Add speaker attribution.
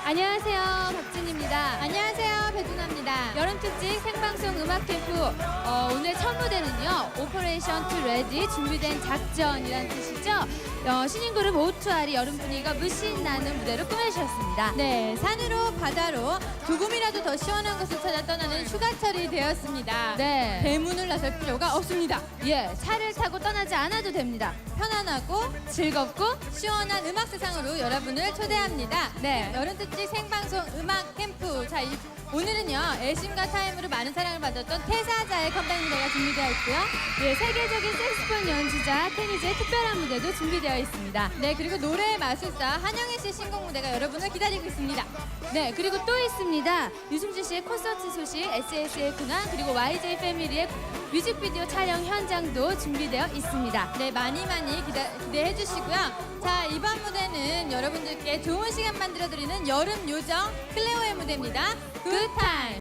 Speaker 1: 안녕하세요, 박진입니다.
Speaker 2: 안녕하세요, 배두나입니다.
Speaker 1: 여름특집 생방송 음악 캠프 오늘 첫 무대는요, 오퍼레이션 투 레디 준비된 작전이란 뜻이죠. 신인 그룹 O2R이 여름 분위기가 물씬 나는 무대로 꾸며주셨습니다.
Speaker 2: 네, 산으로 바다로 조금이라도 더 시원한 곳을 찾아 떠나는 휴가철이 되었습니다.
Speaker 1: 네.
Speaker 2: 대문을 나설 필요가 없습니다.
Speaker 1: 예, 차를 타고 떠나지 않아도 됩니다.
Speaker 2: 편안하고
Speaker 1: 즐겁고
Speaker 2: 시원한 음악 세상으로 여러분을 초대합니다.
Speaker 1: 네.
Speaker 2: 여름특집 생방송 음악 캠프. 자, 오늘은요, 애심과 타임으로 많은 사랑을 받았던 태사자의 컴백 무대가 준비되어 있고요.
Speaker 1: 예, 세계적인 색스폰 연주자 테니즈의 특별한 무대도 준비되어 있습니다.
Speaker 2: 네, 그리고 노래 마술사 한영애 씨 신곡 무대가 여러분을 기다리고 있습니다.
Speaker 1: 네, 그리고 또 있습니다. 유승준 씨의 콘서트 소식, SS의 근황, 그리고 YJ 패밀리의 뮤직비디오 촬영 현장도 준비되어 있습니다.
Speaker 2: 네, 많이 기대해 주시고요. 자, 이번 무대는 여러분들께 좋은 시간 만들어드리는 여름 요정 클레오의 무대입니다. 굿타임!